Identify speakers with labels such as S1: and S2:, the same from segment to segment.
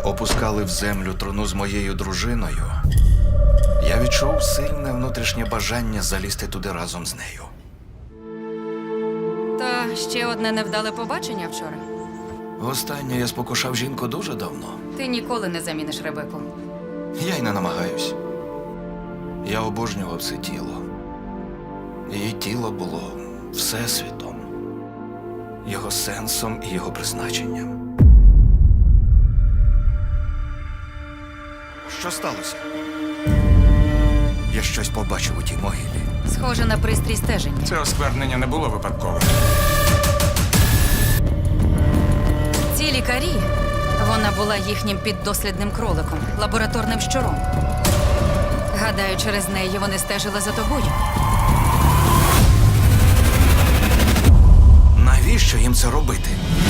S1: опускали в землю труну з моєю дружиною, я відчув сильне внутрішнє бажання залізти туди разом з нею.
S2: Та ще одне невдале побачення вчора.
S1: Востаннє я спокушав жінку дуже давно.
S2: Ти ніколи не заміниш Ребеку.
S1: Я й не намагаюсь. Я обожнював це тіло. Її тіло було всесвітом, його сенсом і його призначенням. Що сталося? Я щось побачив у тій могилі.
S2: Схоже на пристрій стеження.
S3: Це осквернення не було випадковим.
S2: Ці лікарі, вона була їхнім піддослідним кроликом, лабораторним щуром. Гадаю, через неї вони стежили за тобою.
S1: Навіщо їм це робити?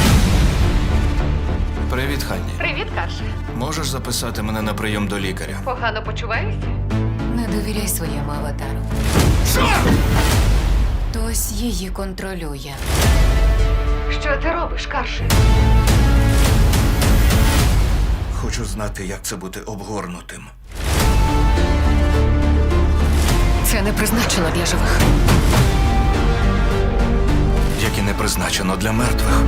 S1: Привіт, Ханні.
S4: Привіт, Карше.
S1: Можеш записати мене на прийом до лікаря?
S4: Погано почуваєшся?
S2: Не довіряй своєму аватару.
S1: Що?
S2: Хтось її контролює.
S4: Що ти робиш, Карше?
S1: Хочу знати, як це бути обгорнутим.
S2: Це не призначено для живих.
S1: Як і не призначено для мертвих.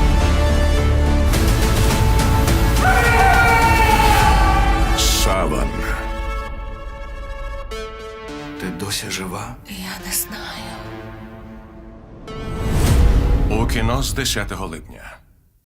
S3: Саван.
S1: Ти досі жива?
S2: Я не знаю.
S3: У кіно з 10 липня.